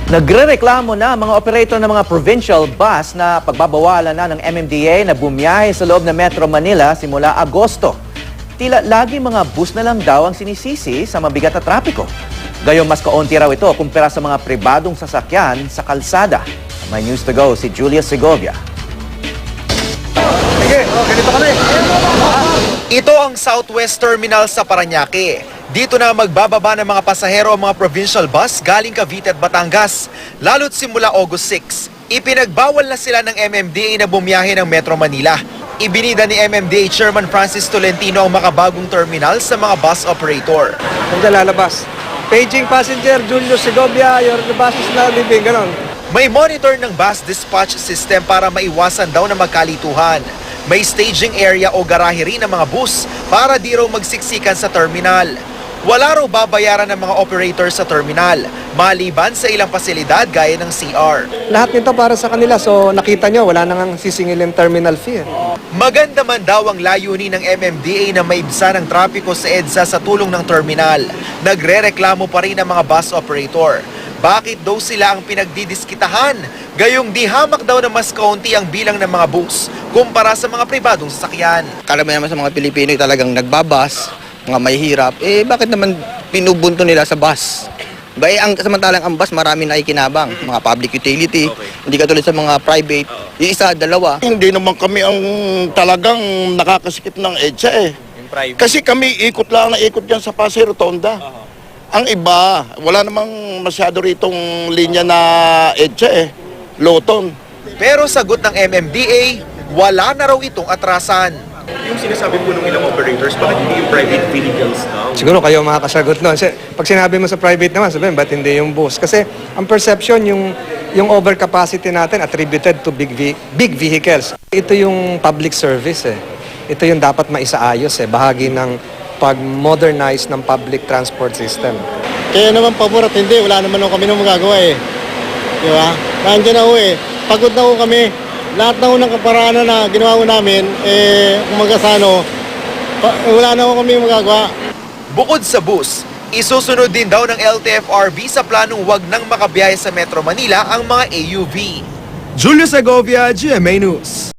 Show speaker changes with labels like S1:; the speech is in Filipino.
S1: Nagrereklamo na mga operator ng mga provincial bus na pagbabawalan na ng MMDA na bumiyahe sa loob ng Metro Manila simula Agosto. Tila lagi mga bus na lang daw ang sinisisi sa mabigat na trapiko. Gayong mas kaunti raw ito kumpara sa mga pribadong sasakyan sa kalsada. May news to go si Julia Segovia.
S2: Ito ang Southwest Terminal sa Parañaque. Dito na magbababa ng mga pasahero ang mga provincial bus galing Cavite at Batangas. Lalo't simula August 6, ipinagbawal na sila ng MMDA na bumiyahe ng Metro Manila. Ibinida ni MMDA Chairman Francis Tolentino ang makabagong terminal sa mga bus operator.
S3: Nandiyan lalabas. Paging passenger, Julio Segovia, your bus is now leaving, ganon.
S2: May monitor ng bus dispatch system para maiwasan daw na magkalituhan. May staging area o garahe rin ng mga bus para di raw magsiksikan sa terminal. Wala raw babayaran ng mga operator sa terminal, maliban sa ilang pasilidad gaya ng CR.
S3: Lahat nito para sa kanila, so nakita nyo, wala nang sisingilin terminal fee.
S2: Maganda man daw ang layunin ng MMDA na maibsan ang trapiko sa EDSA sa tulong ng terminal. Nagrereklamo pa rin ang mga bus operator. Bakit daw sila ang pinagdidiskitahan? Gayong di hamak daw na mas kaunti ang bilang ng mga bus kumpara sa mga pribadong sasakyan.
S4: Karamihan naman sa mga Pilipino talagang nagbabas, mga mahihirap. Bakit naman pinubunto nila sa bus? Samantalang ang bus marami na ikinabang, mga public utility, hindi katulad sa mga private, yung isa, dalawa.
S5: Hindi naman kami ang talagang nakakasikip ng EDSA Kasi kami ikot lang na ikot dyan sa Pasay Rotonda. Ang iba, wala namang masyado ritong linya na EDSA Loton.
S2: Pero sagot ng MMDA, wala na raw itong atrasan.
S6: Yung sinasabi po ng ilang operators, bakit hindi yung private vehicles now?
S3: Siguro kayo makakasagot nun. Pag sinabi mo sa private naman, sabihin, ba't hindi yung bus? Kasi ang perception, yung overcapacity natin attributed to big vehicles. Ito yung public service Ito yung dapat maisaayos Bahagi ng pag-modernize ng public transport system.
S7: Kaya naman pabor at hindi, wala naman kami nang magagawa Di ba? Nandiyan na pagod na kami. Lahat na ng kaparaanan na ginawa namin, umagasano, wala na kami magagawa.
S2: Bukod sa bus, isusunod din daw ng LTFRB sa planong wag nang makabiyahe sa Metro Manila ang mga AUV.
S8: Julio Segovia, GMA News.